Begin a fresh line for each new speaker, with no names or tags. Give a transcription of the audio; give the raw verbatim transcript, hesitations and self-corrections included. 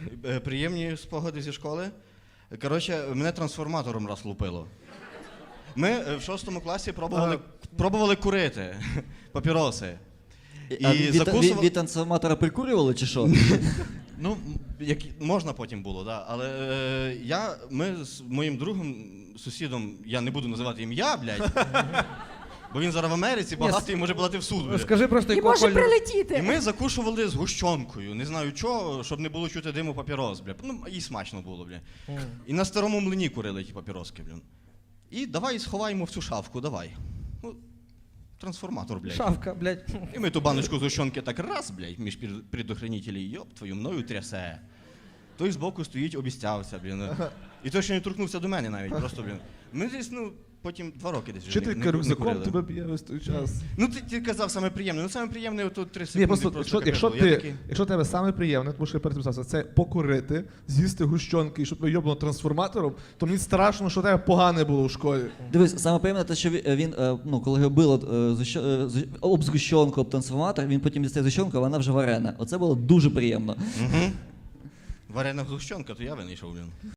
Е, Приємні спогади зі школи. Коротше, мене трансформатором раз лупило. Ми е, в шостому класі пробували, пробували курити папіроси.
І а від,
закусували...
від, від трансформатора прикурювали чи що?
Ну, як, можна потім було, да. Але е, я, ми з моїм другом, сусідом, я не буду називати ім'я, блядь, бо він зараз в Америці, багатий, може подати в суд. Блядь.
Скажи просто,
І
якого
може
кольору.
прилетіти.
І ми закушували з гущонкою, не знаю чого, щоб не було чути диму папірос, бля. Ну, і смачно було, бля.
Mm.
І на старому млині курили ті папіроски, бля. І давай сховаємо в цю шафку, давай. Ну, трансформатор, блядь.
Шавка, блядь.
І ми ту баночку з гущонки так раз, блядь, між предохранителей, йоп, твою мною трясе. Той збоку стоїть, обіцявся, блін. І той, що не торкнувся до мене навіть, просто, блін. Ми десь, ну, потім два роки десь вже не, не,
Вчителька
не
рюкзаком
курили.
тебе б'є весь той час.
Ну, ти, ти казав саме приємне. Ну, саме приємне, ото три секунди
Ні, просто,
просто
якщо, якщо,
капець було. Я
ти,
такий,
якщо тебе саме приємне, тому що я перед цим сказав, це покурити, з'їсти гущонки і щоб тебе йобнуло трансформатором, то мені страшно, що тебе погане було в школі.
Дивись, саме приємне те, що він, він е, ну, коли його било е, згущ- е, з- об згущенку, об трансформатор, він потім дістає згущенку, а вона вже варена. Оце було дуже приємно.
Угу. Варена гущонка, то я винайшов, блін.